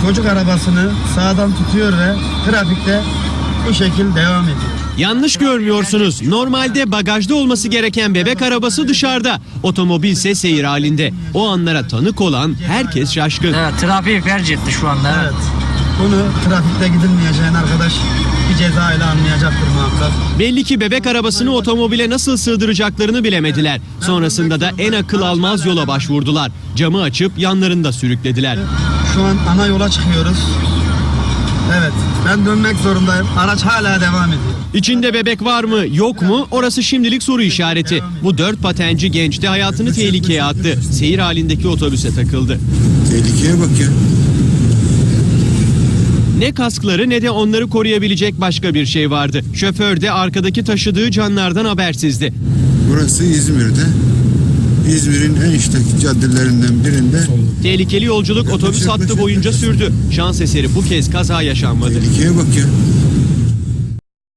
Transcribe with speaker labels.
Speaker 1: çocuk arabasını sağdan tutuyor ve trafikte bu şekilde devam ediyor.
Speaker 2: Yanlış görmüyorsunuz. Normalde bagajda olması gereken bebek arabası dışarıda. Otomobilse seyir halinde. O anlara tanık olan herkes şaşkın.
Speaker 3: Evet, trafiği felç etti şu anda.
Speaker 1: Evet. Bunu trafikte gidilmeyeceğin arkadaş bir ceza ile anlayacaktır muhakkak.
Speaker 2: Belli ki bebek arabasını otomobile nasıl sığdıracaklarını bilemediler. Sonrasında da en akıl almaz yola başvurdular. Camı açıp yanlarında sürüklediler.
Speaker 1: Şu an ana yola çıkıyoruz. Evet, ben dönmek zorundayım. Araç hala devam ediyor.
Speaker 2: İçinde bebek var mı yok mu orası şimdilik soru işareti. Bu 4 patenci genç de hayatını tehlikeye attı. Seyir halindeki otobüse takıldı.
Speaker 4: Tehlikeye bak ya.
Speaker 2: Ne kaskları ne de onları koruyabilecek başka bir şey vardı. Şoför de arkadaki taşıdığı canlardan habersizdi.
Speaker 4: Burası İzmir'de. İzmir'in en işlek caddelerinden birinde.
Speaker 2: Tehlikeli yolculuk otobüs hattı boyunca sürdü. Şans eseri bu kez kaza yaşanmadı.
Speaker 4: Tehlikeye bak ya.